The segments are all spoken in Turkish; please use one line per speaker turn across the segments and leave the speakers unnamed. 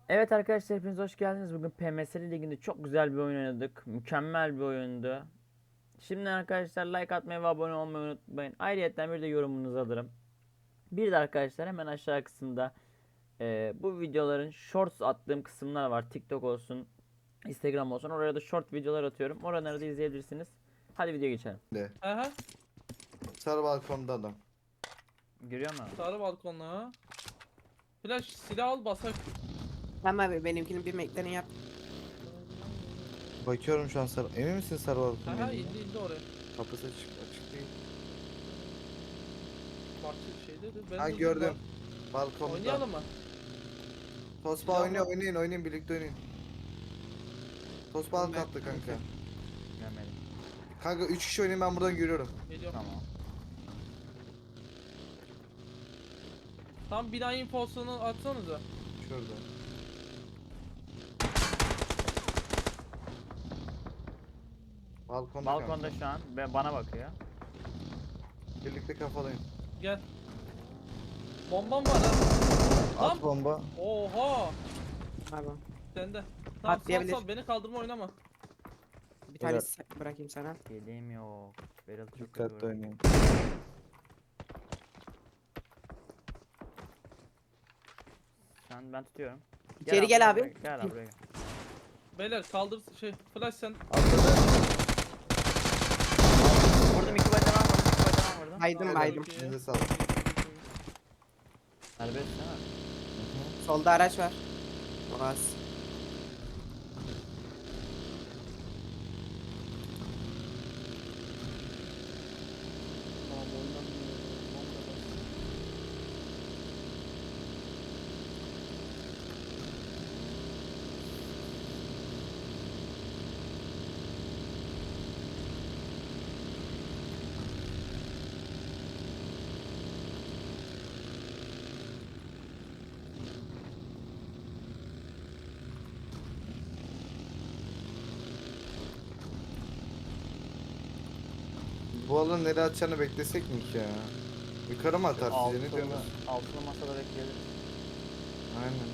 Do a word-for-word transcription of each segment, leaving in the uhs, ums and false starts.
Evet arkadaşlar hepiniz hoş geldiniz. Bugün P M S L Ligi'nde çok güzel bir oyun oynadık. Mükemmel bir oyundu. Şimdi arkadaşlar like atmayı ve abone olmayı unutmayın. Ayrıca bir de yorumunuzu alırım. Bir de arkadaşlar hemen aşağı kısımda e, bu videoların shorts attığım kısımlar var. TikTok olsun, Instagram olsun. Oraya da short videolar atıyorum. Oraları da izleyebilirsiniz. Hadi video geçelim.
De.
Aha,
Sarı balkonda adam.
Görüyor musun?
sarı balkonlu ha. Flash silah al basak.
Tamam abi benimkini bir meklerini yap.
Bakıyorum şu an sarı. Emin misin sarı balkonda?
Aha
olduğunu?
indi indi oraya.
Kapısı açık, açık değil.
Bahçe şeydedir. Ben
Ha
durdum
gördüm.
bak.
Balkonda.
Oynayalım mı?
Tosba
Ya
oynuyor,
bak.
oynayın, oynayın, birlikte oynayın. Tosba alt kattı kanka.
Görmedim.
Kanka üç kişi oynayın, ben buradan görüyorum.
Geliyorum.
Tamam.
Tam bina infosunu atsanıza.
Şurada. Balkonda,
Balkonda
kanka.
şu an ve bana bakıyor.
Birlikte kafalayın.
Gel. Bombam var ha.
At
Lan.
bomba.
Oha.
Pardon.
Sende. Tamam sal
Atlayabilir.
sal beni kaldırma oynama.
Bir tane s- bırakayım sana.
Yediğim yok. Berat çok
Dikkatli
kötü.
oynayın.
Sen ben tutuyorum.
İçeri gel abi.
buraya, Gel abi buraya. Gel.
Beyler kaldır şey flash sen.
Vurdum iki bacana vurdum. iki bacana vurdum.
Baydım
Helal.
baydım.
Çok iyi.
Elinize sağlık.
Serbest değil mi?
Solda araç var. Boğaz.
Tamam oynamıyor. Bomba bas.
Bu alanı nereye atacağını beklesek mi ki ya? Yukarı mı atar size, ne
Altılı,
diyorsunuz?
altılı masada bekleyelim.
Aynen.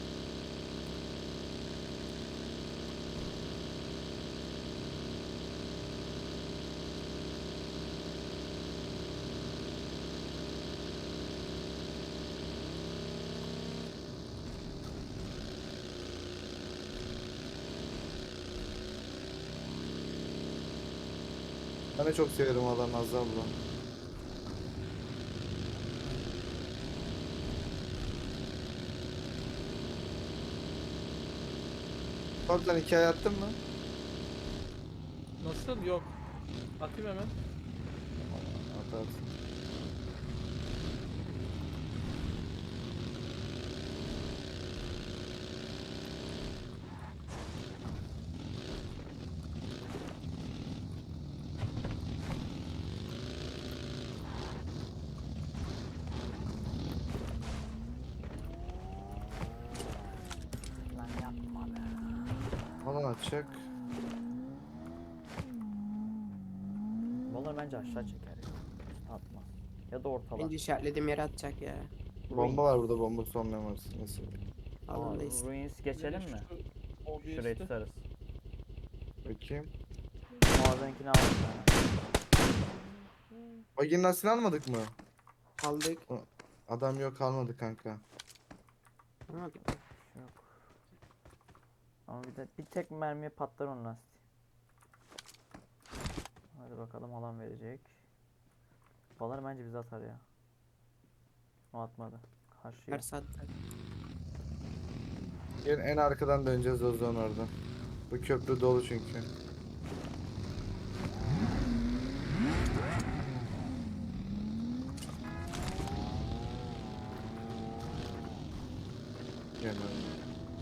Ben de çok severim alanı Azza abla. Oradan hikaye attın mı?
Nasıl? Yok. Atayım hemen.
Atarsın.
Lan yapma be.
Alan atacak.
Vallahi bence aşağı çeker ya. Üste atmaz. Ya da ortalar.
Bence işaretlediğim yere atacak ya.
Bomba var burada, bomba sonlayamaz. Neyse.
Aa,
Alandayız.
Ruins geçelim mi?
O bir
Şurayı
üstü.
tutarız.
Bakayım.
Muazzeninkini aldım ben.
Baginin lastiğini almadık mı?
Aldık.
Adam yok, almadı kanka.
Ama
Yok. Ama bir de bir tek mermiye patlar onun lastiği. Hadi bakalım alan verecek. Balar bence bizi atar ya. O atmadı. Karşıya.
ters attı.
Gel en arkadan döneceğiz o zaman orada. Bu köprü dolu çünkü. Gel abi.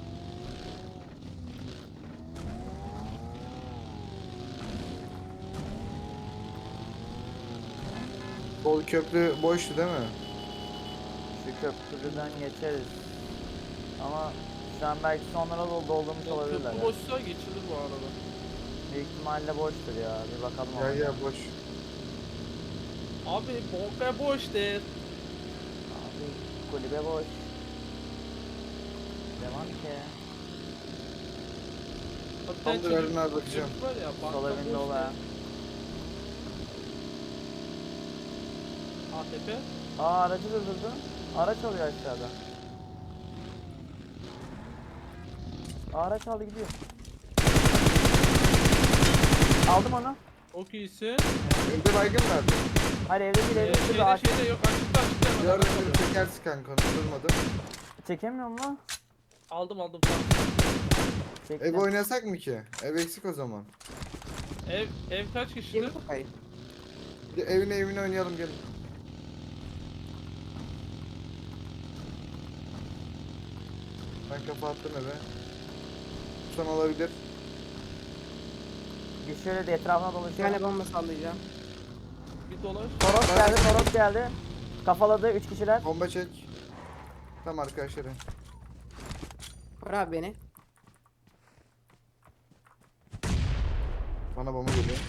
Bol köprü boştu değil mi?
Şu köprüden geçeriz. Ama şu an belki sonlara dolu doldurmuş
O
olabilirler.
köprü
ya.
boşsa geçilir bu arada.
Büyük ihtimalle boştur ya. Bir bakalım
Ya
ona.
ya boş.
Abi bomba boş değil.
Abi kulübe boş. Devam ki.
Hatta
Tamamdır,
çocuk-
Erdoğan abi, bakacağım.
çocuk var ya,
Sol
bankta
evinde
boş
ol
ya.
ha.
A T P.
Aa aracı da durdu. Araç alıyor aşağıda. Aa, araç aldı gidiyor. Aldım onu.
Çok iyisin.
Evde baygın verdi.
Hayır evde değil
Ee,
evde değil.
şeyde
Ağaç...
şeyde yok, açıkta açıkta. hemen
Gördüm
açıkta.
bir çekersin kanka, onu durmadım.
Çekemiyorum lan.
Aldım aldım tamam.
Çektim.
Ev oynasak mı ki? Ev eksik o zaman.
Ev ev kaç kişidir?
Kim kafayı?
Bir evine evine oynayalım, gelin. Ben kafa attım eve. Son olabilir.
Bir şöyle de etrafına
Bir
dolaşıyorum.
tane bomba sallayacağım.
Bir dolaş.
Toros geldi, Toros geldi. Kafaladı üç kişiler.
Bomba çek. Tamam arkadaşlarım.
Vur abi beni.
Bana bomba geliyor.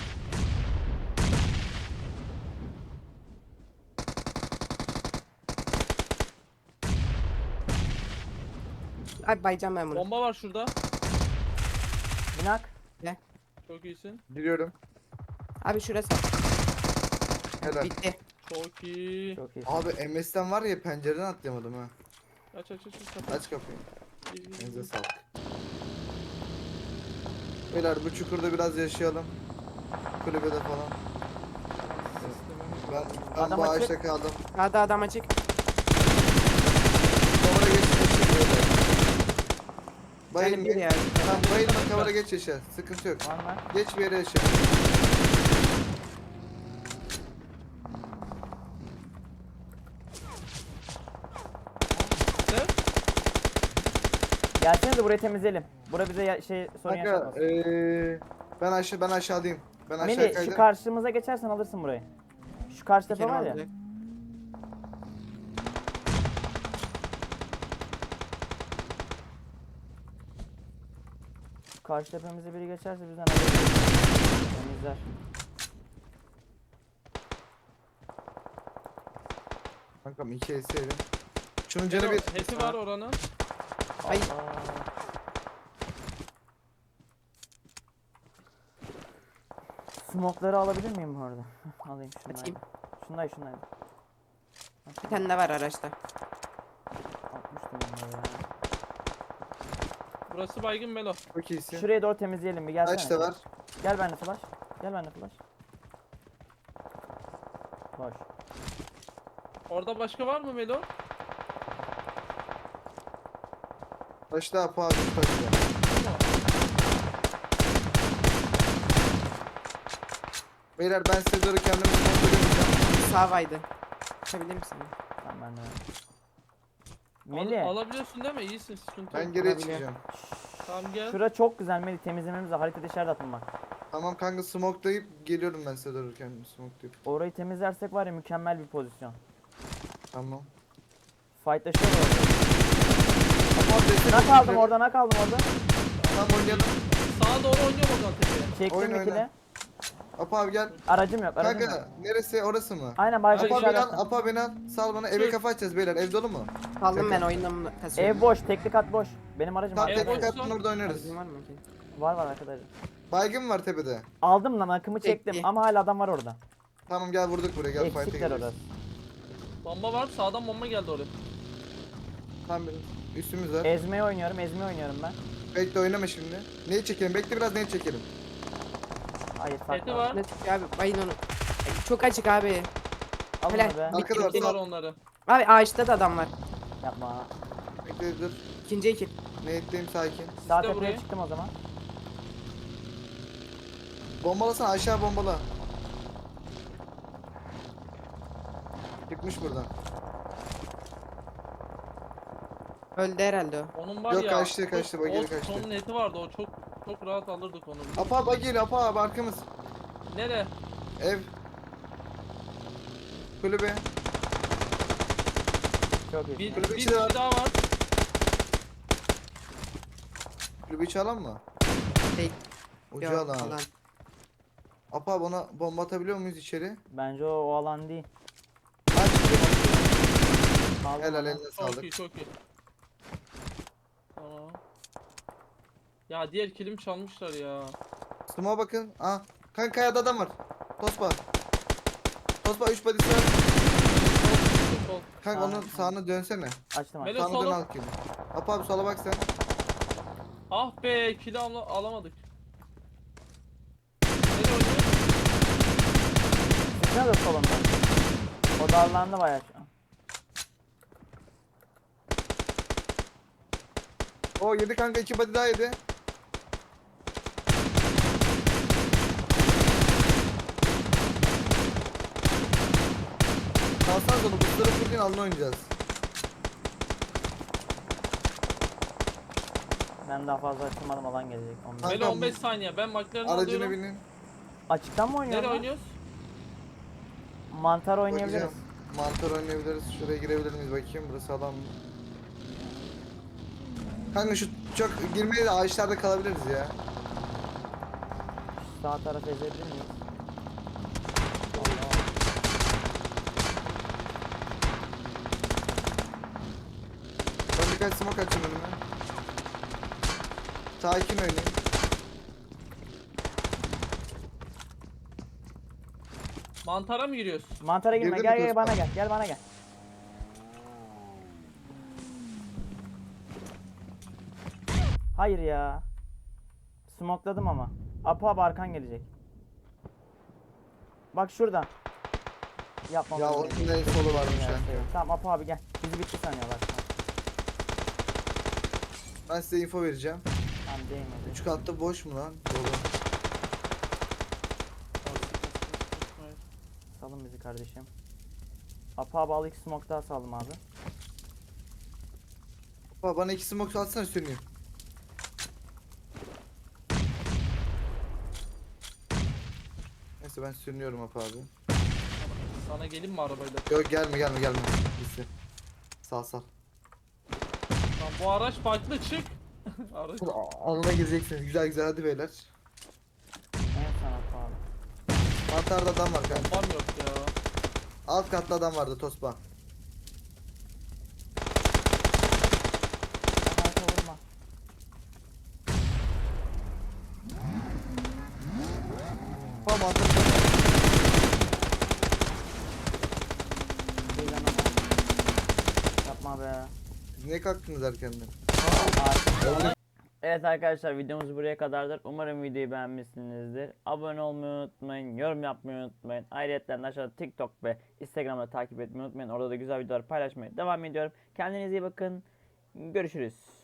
Abi bayacağım ben bunu.
Bomba var şurada.
Binak.
Çok iyisin.
Giriyorum.
Abi şurası.
Helal.
Bitti.
Çok iyi.
Çok iyi.
Abi M S'ten var ya, pencereden atlayamadım ha.
Aç aç aç aç. kapat.
Aç kapıyı.
İyi, iyi, iyi.
Elinize sağlık. Beyler bu çukurda biraz yaşayalım. Kulübede falan. Ben, ben
Adam
bu
açık.
ağaçta kaldım.
Hadi adam açık.
Kavara geç yaşa böyle.
Yani
Bayılma.
bir ya.
Tamam bayılma, kavara geç yaşa. Sıkıntı yok.
Var mı?
Geç bir yere yaşa.
Ne?
Gelsenize burayı temizleyelim. Bura bize ya- şey sorun
Kanka
yaşatmasın.
eee ben aşağı ben aşağıdayım. Ben aşağı
Melih şu
kaydım.
karşımıza geçersen alırsın burayı. Şu karşı tepe
Kerim
var ya.
alacak.
Şu karşı tepemize biri geçerse bizden alır. Temizler.
Kankam iki S yedim. Şunun canı bir.
Hesi var oranın.
Ay.
Aa. Smokları alabilir miyim bu arada? Heh, alayım şunları.
Atayım.
Şunları şunları.
Bir tane de var araçta.
Atmıştım bunları ya.
Burası baygın Melo.
Çok iyisin.
Şuraya doğru temizleyelim bir gelsene.
Kaç da var?
Gel bende flash. Gel bende flash. Boş.
Orada başka var mı Melo?
Taşta apa abi taşta. Beyler ben size doğru kendimi kontrol edeceğim.
Sağ baydı. Açabilir misin?
Tamam ben de.
Al-
Melih.
alabiliyorsun değil mi? İyisin, sıkıntı
Ben
yok.
geriye
Olabilir.
çıkacağım.
Tamam gel.
Şura çok güzel Melih, temizlememiz lazım. Haritada işaret atın bak.
Tamam kanka, smoke'layıp geliyorum ben size doğru, kendimi smoke'layıp.
Orayı temizlersek var ya mükemmel bir pozisyon.
Tamam.
Fightlaşıyor orada.
Tamam destek
Nak
olun
aldım
şöyle.
orada, nak aldım orada.
Tamam oynayalım.
Sağa doğru oynuyorum o zaman tepeye.
Çektim
Oyna,
ikili.
oyna. Apa abi gel.
Aracım yok, aracım yok.
Kanka neresi, orası mı?
Aynen başka
Abi,
Apa beni
işaret
al,
attım.
Apa beni al. Sal bana, eve kafa açacağız beyler, ev dolu mu?
Kaldım ben
Şaka.
oyundan bunu kasıyorum.
Ev boş, tekli kat boş. Benim aracım
Tam
Ev
arkada.
teknik
boşsa-
attın, orada oynarız.
Aracın var mı ki?
Var var arkadaşlar.
Baygın var tepede.
Aldım lan, akımı çektim
Tekli.
ama hala adam var orada.
Tamam gel, vurduk buraya, gel fight'e
Eksikler
geliyoruz.
orası.
Bomba var, sağdan bomba geldi oraya.
Tamam üstümüz var.
Ezmeyi oynuyorum, ezmeyi oynuyorum ben.
Bekle oynama şimdi. Neyi çekelim? Bekle biraz, neyi çekelim?
Hayır farklı.
Heti var.
Ne çıkıyor abi? Bayın onu. Ay, çok açık abi.
Alın
Helal.
onu be.
Arkada var,
Bitti var
sal.
onları.
Abi ağaçta da adam var.
Yapma.
Bekle dur.
İkinci ekip.
Neyitteyim, sakin.
Sağ
İşte
tepeye
buraya.
çıktım o zaman.
Bombalasana, aşağı bombala. Çıkmış buradan.
Öldü herhalde o.
Onun var
Yok,
ya.
kaçtı,
çok-
kaçtı, bak geri
o
kaçtı.
Sonun eti vardı, o çok çok rahat alırdık onu.
Apa bak geliyor, apa abi arkamız.
Nere?
Ev. Kulübe.
Çok iyi.
Bir,
Kulübe
bir
içi de var.
kişi daha var.
Kulübe içi alan mı?
Değil.
Ucu
Yok,
alan.
alan.
Apa bana bomba atabiliyor muyuz içeri?
Bence o, o alan değil.
Aç.
Aldım
Helal,
onu.
eline
Çok
sağlık.
iyi, çok iyi. Tamam. Ya diğer kilim çalmışlar ya.
Smoke'a bakın. Aa. Kanka kayada adam var. Tospa. Tospa üç badisi var.
Sol, sol.
Kanka
Sağ-
onun sağına dönsene.
Açtım açtım.
Melo-
Sağına dön
sola.
al kili. Apo abi sola bak sen.
Ah be kili al alamadık. Nereye oynuyor?
Sıkına da solumda. O darlandı bayağı şu an.
O yedi kanka, iki body daha yedi. Kalsan sonu buzları fırlayın, alın oynayacağız.
Ben daha fazla açılmadım, alan gelecek. Ondan.
Kanka,
Melo on beş saniye. Ben McLaren'ı
Aracına
alıyorum.
binin.
Açıktan mı oynuyorsun?
Nereye
lan?
oynuyoruz?
Mantar oynayabiliriz.
Bakacağım. Mantar oynayabiliriz. Şuraya girebilir miyiz bakayım, burası adam mı? Kanka şu çok girmeye de ağaçlarda kalabiliriz ya.
Şu sağ tarafı ezebilir miyiz?
Ben birkaç smoke açayım önüme. Sakin oynayın.
Mantara mı giriyoruz?
Mantara girme,
Girdin
gel
mi
gel
kız?
bana gel, gel bana gel. Hayır ya. Smokladım ama. Apo abi arkan gelecek. Bak şuradan. Yapma.
Ya
bunu.
onun en solu varmış
Ya,
ya.
şey, Tamam Apo abi gel. Bizi bitti sanıyorlar.
Ben size info vereceğim.
Tamam değmedi.
Üç katlı boş mu lan? Dolu.
Salın bizi kardeşim. Apo abi al iki smoke daha saldım abi.
Baba bana iki smoke atsana, söneyim. Neyse ben sürünüyorum Apo abi.
Sana gelin mi arabayla?
Yok gelme gelme gelme. Gitsin. Sal sal.
Lan bu araç farklı çık. Araç.
Alına gireceksiniz. Güzel güzel, hadi beyler.
Evet sana Apo abi.
Mantarda adam var kanka.
Var yok ya.
Alt katta adam vardı Tospa.
Arka vurma.
Tamam mantar.
Değil lan ama. Yapma be.
Siz niye kalktınız erkenden?
Artık. Evet arkadaşlar, videomuz buraya kadardır. Umarım videoyu beğenmişsinizdir. Abone olmayı unutmayın, yorum yapmayı unutmayın. Ayrıca aşağıda TikTok ve Instagram'da takip etmeyi unutmayın. Orada da güzel videolar paylaşmaya devam ediyorum. Kendinize iyi bakın. Görüşürüz.